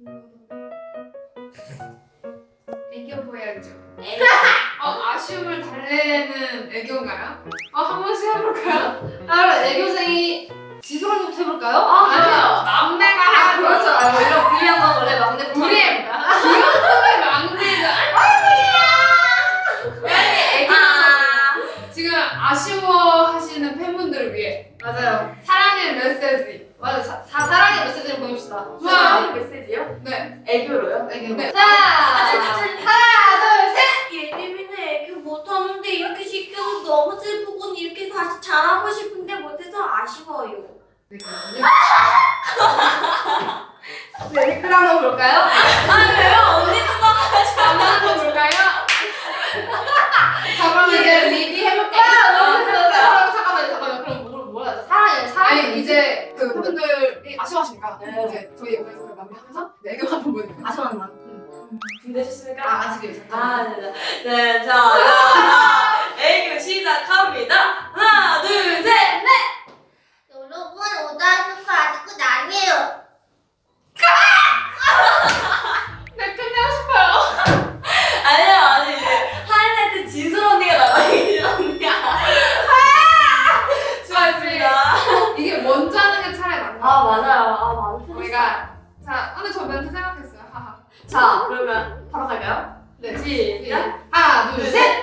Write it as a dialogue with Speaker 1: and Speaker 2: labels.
Speaker 1: 애교 보여야죠.
Speaker 2: 애교.
Speaker 1: 아쉬움을 달래는 애교인가요? 한 번씩 해볼까요?
Speaker 2: 그럼 애교쟁이 지소랑부터 해볼까요?
Speaker 1: 아니요. 막내가
Speaker 2: 그렇죠. 이런 불리한 건 원래 막내
Speaker 1: 우리 귀염둥이 막내가 애교 지금 아쉬워하시는 팬분들을 위해
Speaker 2: 맞아요.
Speaker 1: 사랑의 메시지.
Speaker 2: 맞아. 사랑의 메시지를 보냅시다.
Speaker 1: 사랑의
Speaker 2: 메시지요?
Speaker 1: 네.
Speaker 2: 애교로요?
Speaker 1: 애교. 네.
Speaker 2: 하나, 둘, 셋! 예림이는 애교 못하는데 이렇게 시켜서 너무 슬프고 이렇게 다시 잘하고 싶은데 못해서 아쉬워요. 네, 댓글 한번 볼까요? 왜요? 언니도
Speaker 1: 한번 볼까요? 자, 그럼 이제 리뷰 해볼게요.
Speaker 2: 잠깐만요. 그럼 뭘 하죠? 사랑해.
Speaker 1: 아니 이제 그 팬분들이 아쉬워하시니까
Speaker 2: 네.
Speaker 1: 이제 저희 오면서 그 마무리하면서 애교 한번 보여드릴게요.
Speaker 2: 아쉬워하는 만 준비되셨습니까?
Speaker 1: 아직이요.
Speaker 2: 네. 자, 애교 시작합니다. 하나, 둘, 셋, 넷!
Speaker 3: 여러분 오다수가 아직은 아니에요.
Speaker 1: 네, 끝내고 싶어요.
Speaker 2: 아니요, 이제 하이라이트 진솔 언니가 나가기 언니야. 수고하셨습니다.
Speaker 1: 이게 먼저 하는 게 차라리 낫다.
Speaker 2: 맞아요. 마음 편했어요.
Speaker 1: 우리가 자, 근데 저 멘트 생각했어요. 하하.
Speaker 2: 자, 그러면 바로 갈까요?
Speaker 1: 네.
Speaker 2: 시작.
Speaker 1: 하나, 둘, 셋.